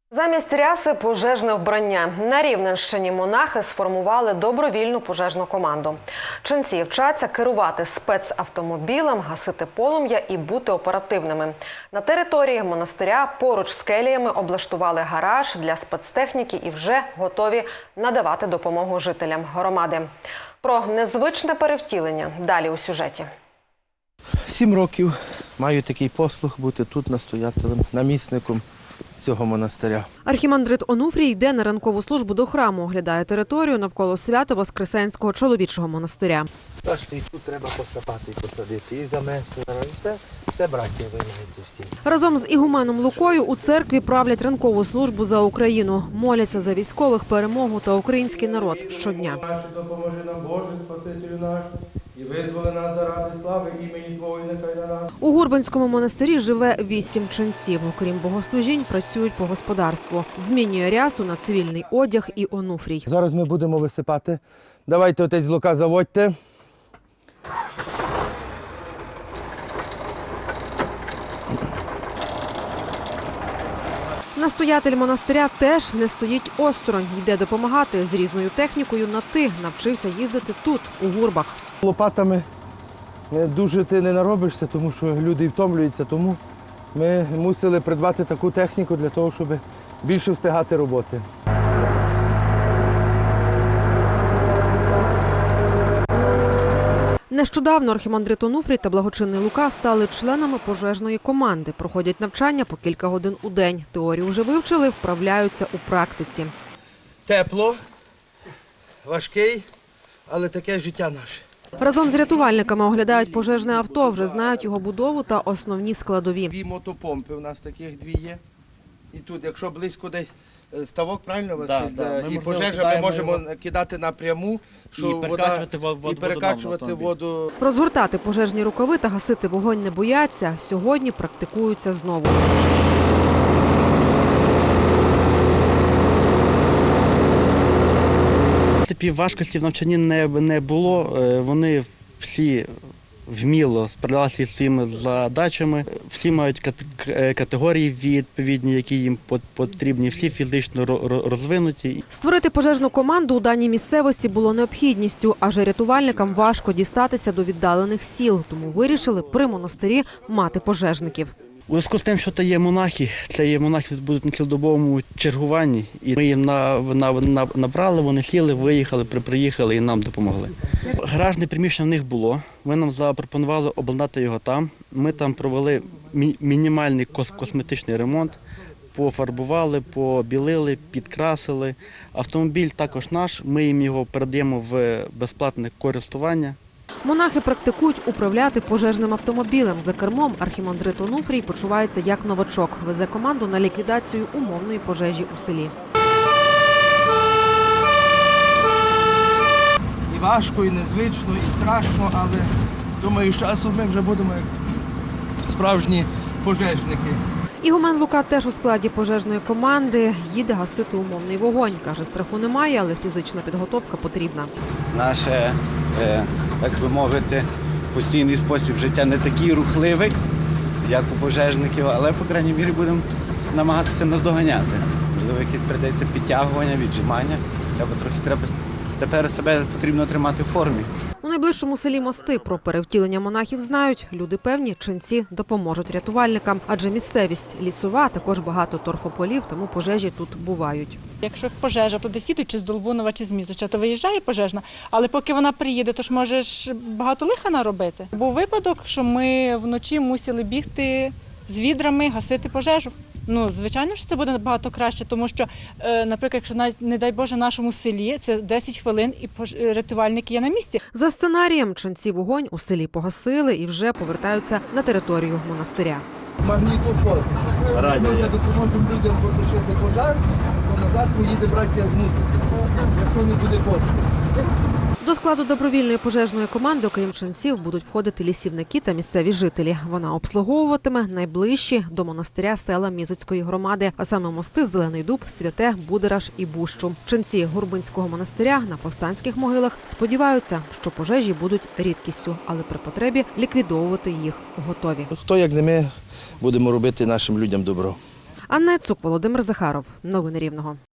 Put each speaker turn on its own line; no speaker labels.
Замість ряси – пожежне вбрання. На Рівненщині монахи сформували добровільну пожежну команду. Ченці вчаться керувати спецавтомобілем, гасити полум'я і бути оперативними. На території монастиря поруч з келіями облаштували гараж для спецтехніки і вже готові надавати допомогу жителям громади. Про незвичне перевтілення далі у сюжеті.
7 років маю такий послуг бути тут настоятелем, намісником цього монастиря.
Архімандрит Онуфрій йде на ранкову службу до храму, оглядає територію навколо Свято-Воскресенського чоловічого монастиря.
Бачите, і тут треба посапати і посадити, і замести, і все браття виявляється всі.
Разом з ігуменом Лукою у церкві правлять ранкову службу за Україну. Моляться за військових, перемогу та український народ щодня.
Допоможи нам, Боже, Спасителю наш, і визволи нас заради слави імені Твого, нехай на нас.
У Гурбанському монастирі живе 8 ченців. Окрім богослужінь, працюють по господарству. Змінює рясу на цивільний одяг і Онуфрій.
Зараз ми будемо висипати. Давайте, отець Лука, заводьте.
Настоятель монастиря теж не стоїть осторонь. Йде допомагати. З різною технікою на «ти» навчився їздити тут, у Гурбах.
Лопатами дуже ти не наробишся, тому що люди втомлюються. Тому ми мусили придбати таку техніку для того, щоб більше встигати роботи.
Нещодавно архімандрит Онуфрій та благочинний Лука стали членами пожежної команди. Проходять навчання по кілька годин у день. Теорію вже вивчили, вправляються у практиці.
Тепло, важкий, але таке життя наше.
Разом з рятувальниками оглядають пожежне авто, вже знають його будову та основні складові.
2 мотопомпи у нас таких 2 є. І тут, якщо близько десь ставок, правильно, Василь?
Да.
І пожежа ми можемо кидати напряму, що
і
перекачувати воду.
Розгортати пожежні рукави та гасити вогонь не бояться. Сьогодні практикуються знову.
Важкості в навчанні не було. Вони всі вміло справлялися з цими задачами. Всі мають категорії відповідні, які їм потрібні, всі фізично розвинуті.
Створити пожежну команду у даній місцевості було необхідністю, адже рятувальникам важко дістатися до віддалених сіл, тому вирішили при монастирі мати пожежників.
У зв'язку з тим, що це є монахи тут будуть на цілодобовому чергуванні, і ми їм набрали, вони сіли, виїхали, приїхали і нам допомогли. Гаражне приміщення в них було, ми нам запропонували обладнати його там, ми там провели мінімальний косметичний ремонт, пофарбували, побілили, підкрасили. Автомобіль також наш, ми їм його передаємо в безплатне користування.
Монахи практикують управляти пожежним автомобілем. За кермом архімандрит Онуфрій почувається як новачок. Везе команду на ліквідацію умовної пожежі у селі.
І важко, і незвично, і страшно, але думаю, з часом ми вже будемо як справжні пожежники.
Ігумен Лука теж у складі пожежної команди. Їде гасити умовний вогонь. Каже, страху немає, але фізична підготовка потрібна.
Наше, так би мовити, постійний спосіб життя не такий рухливий, як у пожежників, але, по крайній мірі, будемо намагатися наздоганяти. Можливо, якесь прийдеться підтягування, віджимання. Тепер себе потрібно тримати в формі.
У найближчому селі Мости про перевтілення монахів знають. Люди певні, ченці допоможуть рятувальникам, адже місцевість лісова, також багато торфополів, тому пожежі тут бувають.
Якщо пожежа, то десь їдуть чи з Долбунова, чи з Мізоча, то виїжджає пожежна, але поки вона приїде, то ж можеш багато лиха наробити. Був випадок, що ми вночі мусили бігти з відрами, гасити пожежу. Звичайно, що це буде набагато краще, тому що, наприклад, якщо навіть, не дай Боже, в нашому селі, це 10 хвилин і рятувальники є на місці.
За сценарієм, ченці вогонь у селі погасили і вже повертаються на територію монастиря.
Магнітофон. Ми допоможемо людям потушити пожар, то назад поїде браття з музики, якщо не буде пострілу.
До складу добровільної пожежної команди, окрім ченців, будуть входити лісівники та місцеві жителі. Вона обслуговуватиме найближчі до монастиря села Мізоцької громади, а саме Мости, Зелений Дуб, Святе, Будераж і Бущу. Ченці Гурбинського монастиря на повстанських могилах сподіваються, що пожежі будуть рідкістю, але при потребі ліквідовувати їх готові.
Хто, як не ми, будемо робити нашим людям добро.
Анна Яцук, Володимир Захаров. Новини Рівного.